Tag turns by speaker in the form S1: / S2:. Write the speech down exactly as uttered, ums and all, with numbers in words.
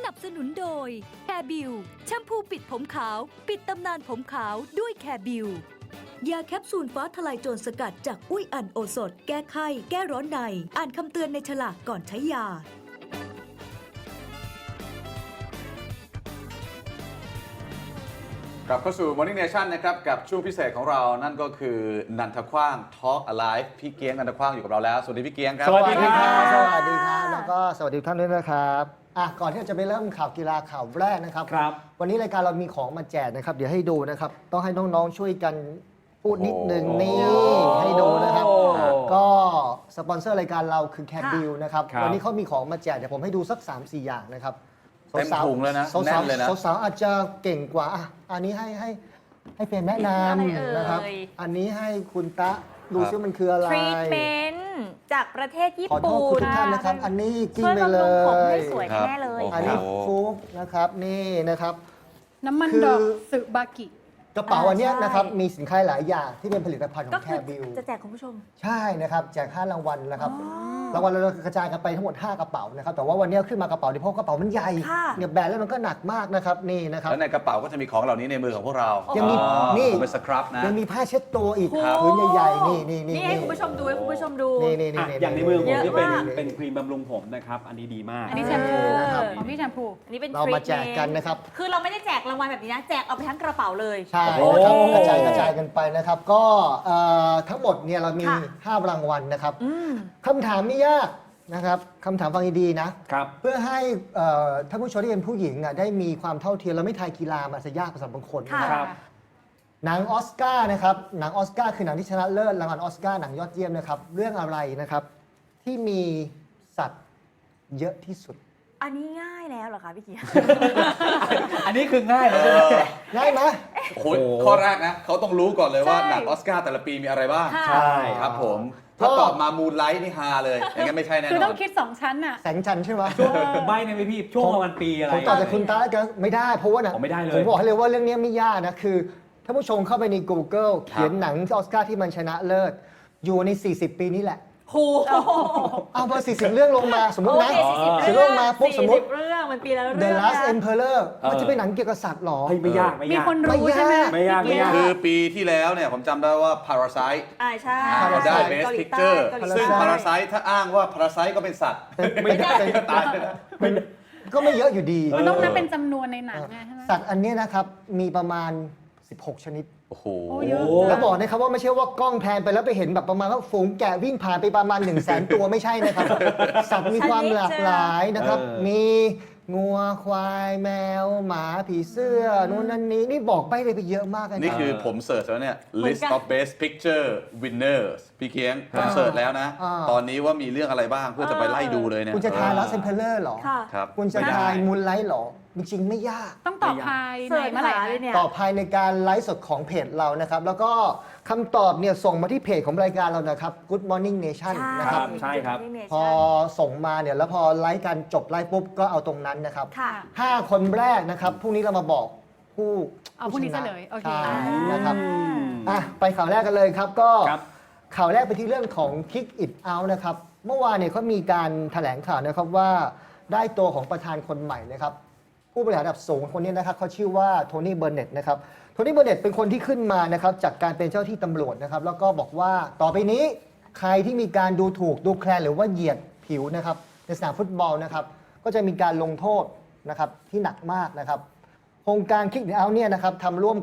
S1: นับสนุนโดยแคร์บิวแชมพูปิดผมขาวปิดตำนานผมขาวด้วยแคร์บิวยาแคปซูลฟ้าทลายโจรสกัดจากอุ้ยอันโอสถแก้ไข้แก้ร้อนในอ่านคำเตือนในฉลากก่อนใช้ยาก
S2: ลับเข้าสู่ Morning Nation นะครับกับช่วงพิเศษของเรานั่นก็คือนันทขว้าง Talk Alive พี่เกียงนันทขว้างอยู่กับเราแล้วสวัสดีพี่เกียงครับ
S3: สวัสดีครับ
S4: สวัสดีครับแล้วก็สวัสดีทุกท่านด้วยนะครับอ่ะก่อนที่เราจะไปเริ่มข่าวกีฬาข่าวแรกนะครับ
S3: ครับ
S4: วันนี้รายการเรามีของมาแจกนะครับเดี๋ยวให้ดูนะครับต้องให้น้องๆช่วยกันพูดนิดนึงนี่ให้ดูนะครับ ก็สปอนเซอร์รายการเราคือแคบิลนะครับ
S3: ครับ
S4: วันนี้เขามีของมาแจกเดี๋ยวผมให้ดูสัก สามสี่ อย่างนะครับ
S2: เต็มถุงเลยนะ
S4: สาวๆ
S2: แน่นเลยนะ
S4: สาวๆอาจจะเก่งกว่าอ่ะอันนี้ให้ให้ให้เฟรมแนะน
S5: อะไรเอ่ย
S4: ำนะครับอันนี้ให้คุณตะดูซิมันคืออะไร
S5: ทรีทเมนต์จากประเทศญี่
S4: ขอโท
S5: ปุ่
S4: ษ
S5: น
S4: คุณทุกท่านนะครับ อันนี้กิน
S5: ช่วย
S4: ไป
S5: บำ
S4: เล
S5: รุงผมให้
S4: ย
S5: สวย
S2: ครับ
S5: แน่เลย
S2: โอ้โห
S4: อันนี้ฟุกนะครับนี่นะครับ
S6: น้ำมัน
S4: คือ
S6: ดอกสึบากิ
S4: กระเป๋าอันเนี้ย
S5: ใช่
S4: นะครับมีสินค้าหลายอย่างที่เป็นผลิตภัณฑ์ข
S5: ก็
S4: องแค
S5: คือ
S4: บิล
S5: จะแจกคุณผู้ชม
S4: ใช่นะครับแจกห้ารางวัลนะครับรางวัลเรากระจายกันไปทั้งหมดห้ากระเป๋านะครับแต่ว่าวันนี้ขึ้นมากระเป๋าเดียวเพราะกระเป๋ามันใหญ่
S5: ค่ะ
S4: เนี่ยแบนแล้วมันก็หนักมากนะครับนี่นะครับ
S2: แล้วในกระเป๋าก็จะมีของเหล่านี้ในมือของพวกเรา
S4: ยังมี
S2: อ๋อ
S4: นี่
S2: เป็นสครับนะ
S4: ยังมีผ้าเช็ดตัวอีก
S5: ครับ
S4: พื้นใหญ่ๆนี่นี่นี่
S5: นี่ให้คุณผู้ชมดูให้คุณผู้ชมดู
S4: นี่นี่นี่
S3: อ่ะอย่างในมือผมนี่เป็น
S5: เยอะมาก
S3: เป็นครีมบำรุงผมนะครับ อันนี้ดีมาก
S6: อันนี้แชมพู
S4: นะครับ
S6: ของพี่แชมพู
S5: อันนี้เป็น
S4: เรามาแจกกันนะครับ
S5: คือเราไม่ได้แจกรางวัลแบบนี้นะ แจกเอาไปทั้งกระเป๋าเลย
S4: ใช่
S3: โอ้
S4: นะครับ
S3: โห
S4: กระจายกระจายกันไปนะครับก็เอ่อทั้งหมดเนี่ยเรามี
S5: ค่ะ
S4: ห้ารางวัลนะครับ
S5: อืม
S4: คำถามไม่ยากนะครับคำถามฟังดีๆนะ
S3: ครับ
S4: เพื่อให้เอ่อท่านผู้ชมที่เป็นผู้หญิงอ่ะได้มีความเท่าเทียมแล้วไม่ทายกีฬามันจะยากสำหรับบางคนนะ
S5: ค่ะ
S4: ครับ หนังออสการ์นะครับหนังออสการ์คือหนังที่ชนะเลิศรางวัลออสการ์หนังยอดเยี่ยมนะครับเรื่องอะไรนะครับที่มีสัตว์เยอะที่สุด
S5: อันนี้ง่ายแล้วเหรอคะพี่เกียร์
S3: อันนี้คือง่ายนะใช่ไหม
S4: ง่ายไหม
S2: โอ้โหข้อแรกนะเขาต้องรู้ก่อนเลยว่า
S5: ใช่
S2: หนังออสการ์แต่ละปีมีอะไรบ้าง
S5: ค่ะ
S3: ใช่
S2: ครับผมถ้าตอบมามูนไลท์นี่ฮาเลยอย่างนั้นไม่ใช่แน่น
S6: คือ
S2: อ
S6: ต้อน งคิดสองชั้นอ่ะ
S4: แสงจันทร์ใช่ไหม
S3: ใบในไหมพี่ ช่วงประมาณปีอะไร
S4: ผมตอบจากคุณตาแล้วกันไม่ได้เพราะว่าหนัง
S3: ผมไม่ได้เลย
S4: ผมบอกให้เลยว่าเรื่องนี้ไม่ยากนะคือถ้าผู้ชมเข้าไปใน Google เขียนหนังออสการ์ที่มันชนะเลิศอยู่ใน สี่สิบ ปีนี้แหละ
S5: โห
S4: เอาพอสี่สิบ เรื่องลงมาสมมติ
S5: โอ
S4: นะ
S5: เคสี่สิบ
S4: สี่
S5: เรื่
S4: เรื่
S5: อ
S4: อง งมาปุ๊บสมมติ
S5: สี่สิบเรื่องมันปีละเรื่
S4: The
S5: อง
S4: Last
S5: นะ
S4: Emperor มันจะเป็นหนังเกี่ยวกับสัตว์หรอ
S3: เฮ้ยไม่ยากไม่
S6: มี
S3: ยาก
S6: คนรู้ใช่ไหม
S3: ไม่ยากไม่ยาก
S2: คือปีที่แล้วเนี่ยผมจำได้ว่า Parasite
S5: อ่าใช่
S2: เราได้
S4: Parasite
S2: Best
S5: เกาหลีใต้
S2: Picture
S5: เกาหลี
S2: ซึ่ง
S5: ใต้
S2: Parasite ถ้าอ้างว่า Parasite ก็เป็นสัตว์
S4: ไม่ได้
S2: ตายไปแล้ว
S4: มันก็ไม่เยอะอยู่ดี
S6: มันต้องนับเป็นจำนวนในหนังไงใช่ไหม
S4: สัตว์อันเนี้ยนะครับมีประมาณ สิบหก ชนิด
S2: โอ้โห
S6: โอ้เยอะ
S4: แล้วบอกนะครับว่าไม่ใช่ว่ากล้องแพนไปแล้วไปเห็นแบบประมาณว่าฝูงแกะวิ่งผ่านไปประมาณ1นึ่งแสนตัวไม่ใช่นะครับ สัตว์มีความหลากหลายนะครับ
S3: เออ
S4: มีงัวควายแมว หมาผีเสื้อนู่นนั่นนี้นี่บอกไปเลยไปเยอะมากเลย
S2: นี่คือผมเสิร์ชแล้วเนี่ย list of best picture winners พี่เคียงผมเสิร์ชแล้วนะ ตอนนี้ว่ามีเรื่องอะไรบ้างเพื่อจะไปไล่ดูเลยเนี่ย
S4: คุณจะทายลัสเซนเพลเลอร์หรอ
S5: ค่ะ
S2: ครับ
S4: คุณจะ
S2: ไม่ได้
S4: ทายมูนไลท์หรอจริงๆไม่ยาก
S6: ต้องตอบภายใน
S5: เสิร์ช
S6: เมื่อไหร่
S5: หา
S6: คะ
S5: เลยเนี่ย
S4: ตอบภายในการไลฟ์สดของเพจเรานะครับ แล้วก็คำตอบเนี่ยส่งมาที่เพจของรายการเรานะครับ Good Morning Nation นะครับ
S3: ใช่ครับ
S4: พอส่งมาเนี่ยแล้วพอไลฟ์กันจบไลฟ์ปุ๊บก็เอาตรงนั้นนะครับ
S5: ค่ะ
S4: ห้าคนแรกนะครับพรุ่งนี้เรามาบอกผู้
S6: เอาพรุ่งนี้เฉลยโอเค
S4: ใช่นะครับ
S5: อืม
S4: อ่ะไปข่าวแรกกันเลยครับก็
S3: ครับ
S4: ข่าวแรกไปที่เรื่องของ Kick It Out นะครับเมื่อวานเนี่ยเขามีการแถลงข่าวนะครับว่าได้ตัวของประธานคนใหม่นะครับผู้บริหารระดับสูงคนนี้นะครับเขาชื่อว่าโทนี่เบอร์เน็ตนะครับโทนี่เบอร์เน็ตเป็นคนที่ขึ้นมานะครับจากการเป็นเจ้าที่ตำรวจนะครับแล้วก็บอกว่าต่อไปนี้ใครที่มีการดูถูกดูแคลนหรือว่าเหยียดผิวนะครับในสนามฟุตบอลนะครับก็จะมีการลงโทษนะครับที่หนักมากนะครับโครงการ Kick It Out เนี่ยนะครับทำร่วม